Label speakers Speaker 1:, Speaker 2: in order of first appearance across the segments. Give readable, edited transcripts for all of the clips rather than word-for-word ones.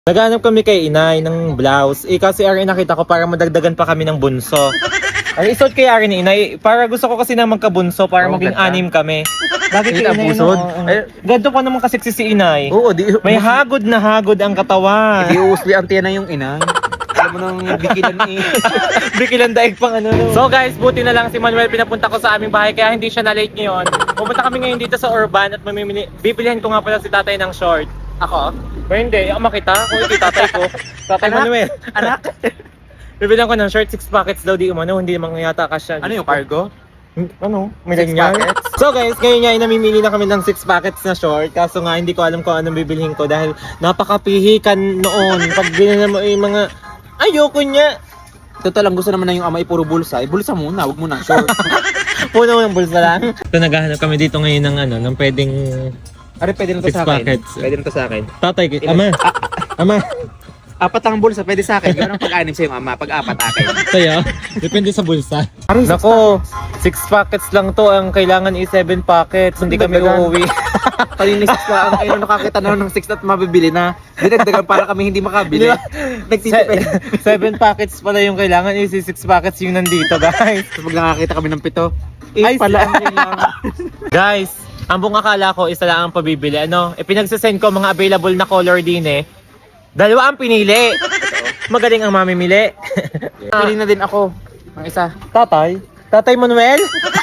Speaker 1: Naghanap kami kay inay ng blouse. Kasi Ari nakita ko para madagdagan pa kami ng bunso. Ay, isuot kay Ari ni inay. Para gusto ko kasi na magkabunso para maging
Speaker 2: ganda.
Speaker 1: 6 kami. Bakit
Speaker 2: Kita
Speaker 1: kay inay?
Speaker 2: pusod?
Speaker 1: Ganto pa naman kasi si inay.
Speaker 2: Oo, di.
Speaker 1: May hagod na hagod ang katawan.
Speaker 2: Di uusli ang tiyan na yung ina. Alam mo nang bikilan eh.
Speaker 1: Bikilan daig pang ano. So guys, buti na lang si Manuel pinapunta ko sa aming bahay kaya hindi siya na late ngayon. Pupunta kami ngayon dito sa Urban at bibilihan ko nga pala si tatay ng short. Ako? Ba hindi, ako makita. Kung iti tatay ko. Tatay
Speaker 2: Anak?
Speaker 1: Manuel.
Speaker 2: Anak?
Speaker 1: Bibilihan ko ng short, 6 packets daw di umano, hindi naman yata kasya.
Speaker 2: Ano yung cargo?
Speaker 1: Ano? May
Speaker 2: 6
Speaker 1: ganyan?
Speaker 2: packets?
Speaker 1: So guys, ngayon nga ay namimili na kami ng 6 packets na short. Kaso nga hindi ko alam kung anong bibilhin ko dahil napakapihikan noon. Pag binili mo yung mga ayoko niya.
Speaker 2: Total lang gusto naman na yung ama ipuro bulsa. Bulsa muna, wag mo na short.
Speaker 1: Puno ng bulsa lang. So naghahanap kami dito ngayon ng ano, ng pwedeng
Speaker 2: Ari, pwede na to
Speaker 1: 6
Speaker 2: sa akin.
Speaker 1: packets.
Speaker 2: Pwede na to sa akin.
Speaker 1: tatay. Ama. Ama.
Speaker 2: 4 ang bulsa, pwede sa akin. Gano'n pag-anim sa yung ama, pag-4 akin.
Speaker 1: Tayo. Depende sa bulsa. Nako, 6 packets lang to. Ang kailangan is 7 packets. Hindi kami
Speaker 2: Dagdagan.
Speaker 1: uuwi.
Speaker 2: Kanina 6 pa, ang kayo nakakita na ng 6 at mabibili na. Dinagdagan para kami hindi makabili. Nagsisipin.
Speaker 1: 7 packets pala yung kailangan is 6 packets yung nandito, guys.
Speaker 2: So pag nakakita kami ng 7,
Speaker 1: Ay,
Speaker 2: pala ang kailangan.
Speaker 1: Guys, ang buong akala ko isa lang ang pabibili. Ano, pinagsasend ko mga available na color din eh. 2 ang pinili. Magaling ang mamimili.
Speaker 2: Pili na din ako. Ang isa.
Speaker 1: Tatay? Tatay Manuel?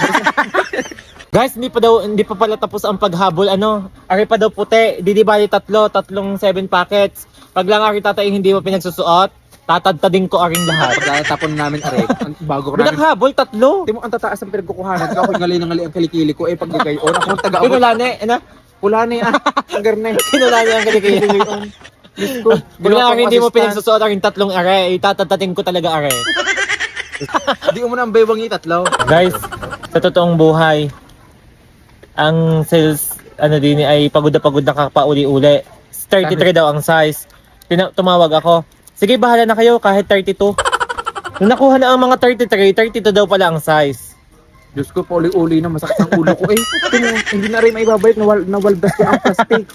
Speaker 1: Guys, hindi pa pala tapos ang paghabol. Ano, ari pa daw puti. Di bali tatlong 7 packets. Pag lang ari tatay hindi mo pinagsusuot, tatadtadin ko aring lahat.
Speaker 2: Pagkatapon namin aray, bago ko namin.
Speaker 1: Pinaghabol, 3.
Speaker 2: Di mo ang tataas ng pinagkukuhanan. Ako yung ngali ang kilikili ko. Pag gagayon, ako ang taga-abot.
Speaker 1: Pinulane, ano?
Speaker 2: Pula na yan. Ang garne.
Speaker 1: Pinulane ang kilikili. Bigla hindi mo pinagsusuot aring 3 are, itatatatin ko talaga are.
Speaker 2: Di mo na ang baywang yung 3.
Speaker 1: Guys, sa totoong buhay, ang sales ano din ay pagod na kakapauli-uli. 33 daw ang size. Tumawag ako. Sige, bahala na kayo kahit 32. Nung nakuha na ang mga 33, 32 daw pala ang size.
Speaker 2: Diyos ko, pauli-uli na. Masakit ang ulo ko. Hindi na rin maibabalik. Nawaldas ko ang plastic.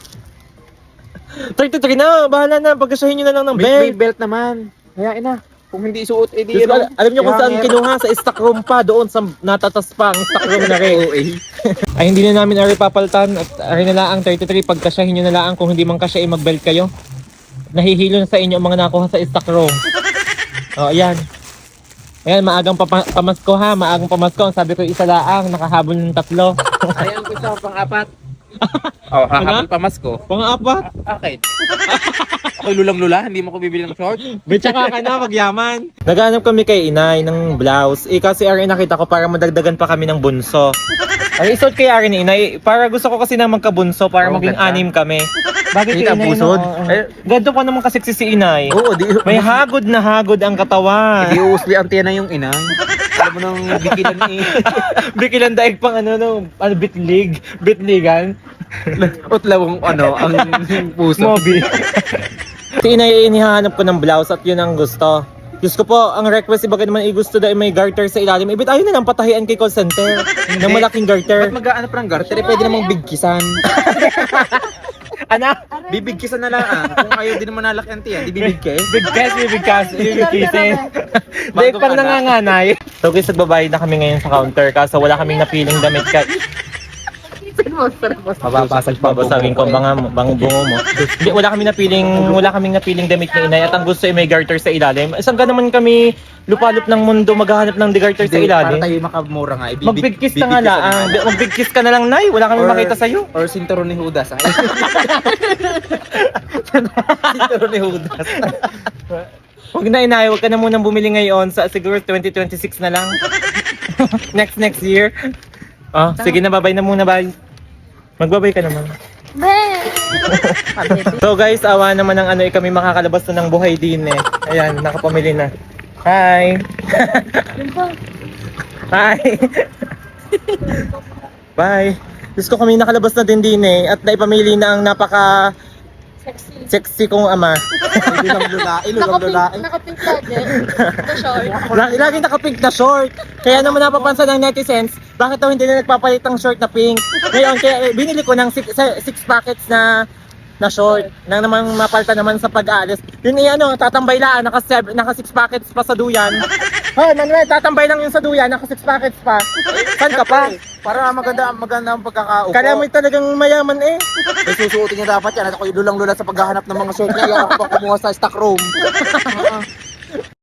Speaker 1: 33 na, bahala na. Pagkasyahin nyo na lang ng
Speaker 2: May
Speaker 1: belt.
Speaker 2: belt naman. Hayain na. Kung hindi isuot, edi
Speaker 1: Diyos ko, alam nyo kung saan kinuha? Sa stock room pa, doon sa natatas pa ang stock room na rin. Ay hindi na namin ari papaltan at ari na lang ang 33 pagkasyahin nyo na lang kung hindi man kasya mag-belt kayo. Nahihilo na sa inyo ang mga nakuha sa stock room. O ayan. Ayan, maagang pamasko ha, maagang pamasko. Sabi ko isa laang, nakahabol ng 3.
Speaker 2: Ayan ko sa pang-4. Oh, hahabol pa mas ko.
Speaker 1: Pang-4.
Speaker 2: Bakit? Ako'y lulang-lula, hindi mo ko bibili ng short.
Speaker 1: Bitsa ka na, magyaman. Naghanap kami kay inay ng blouse. Kasi Ari nakita ko para madagdagan pa kami ng bunso. Ay, isuot kay Ari ni inay. Para gusto ko kasi na magkabunso para maging
Speaker 2: ganda.
Speaker 1: 6 kami. Bakit
Speaker 2: Kita
Speaker 1: kay inay?
Speaker 2: pusod?
Speaker 1: Ganto pa naman kasi si inay.
Speaker 2: Oo, di.
Speaker 1: May hagod na hagod ang katawan.
Speaker 2: Di uusli ang tiyan na yung ina. Alam mo nang bikilan eh.
Speaker 1: Bikilan daig pang ano, bitligan.
Speaker 2: Utlawang ang puso.
Speaker 1: Mobi. Si inay inihahanap ko ng blouse at yun ang gusto. Diyos ko po, ang request iba naman gusto dahil may garter sa ilalim. Ibit ayaw na lang patahian kay call center ng malaking garter.
Speaker 2: Ba't mag-aano pa ng garter? Pwede namang bigkisan.
Speaker 1: Anak,
Speaker 2: Bibigkisan na lang ah. Kung ayaw din naman nalaki ang tiyan, di bibigkis.
Speaker 1: bibigkisin. Dahil pang nanganganay. So guys, nagbabayad na kami ngayon sa counter kaso wala kaming napiling damit ka. Mababasag pa basagin ko bang bungo mo. Hindi, wala kaming napiling damit ni inay at ang gusto ay may garter sa ilalim. Isang ka naman kami lupalop ng mundo maghahanap ng garter sa ilalim.
Speaker 2: Para tayo makamura nga.
Speaker 1: Magbigkis ka nga lang. Magbigkis ka na lang, nay. Wala kami makita sa'yo.
Speaker 2: Or sinturon ni Judas. Sinturon ni Judas.
Speaker 1: Huwag na inay, huwag ka na munang bumili ngayon. Siguro 2026 na lang. next year. Sige na, babay na muna, bye. Magbabay ka naman. So guys, awa naman ng kami makakalabas na ng buhay din eh. Ayan, nakapamili na. Hi! Hi! Bye! Diyos ko kami nakalabas na din eh. At naipamili na ang napaka sexy kong ama.
Speaker 3: Nakapink gadget. The short.
Speaker 1: Laging naka-pink na short. Kaya naman napapansin ng netizens, bakit daw hindi na nagpapalit ng short na pink? Ngayon, kaya binili ko ng 6 packets na na short. Nang naman mapalta naman sa pag-alis. Yun tatambay lang, naka 6 packets pa sa duyan. Hoy, Manuel, tatambay lang yung sa duyan, naka 6 packets pa. Saan ka pa?
Speaker 2: Para maganda ang pagkakaupo.
Speaker 1: Kala mo talagang mayaman eh.
Speaker 2: May susuotin niya dapat yan. At ako lulang-lula sa paghahanap ng mga short niya. Ako pa kumuha sa stock room.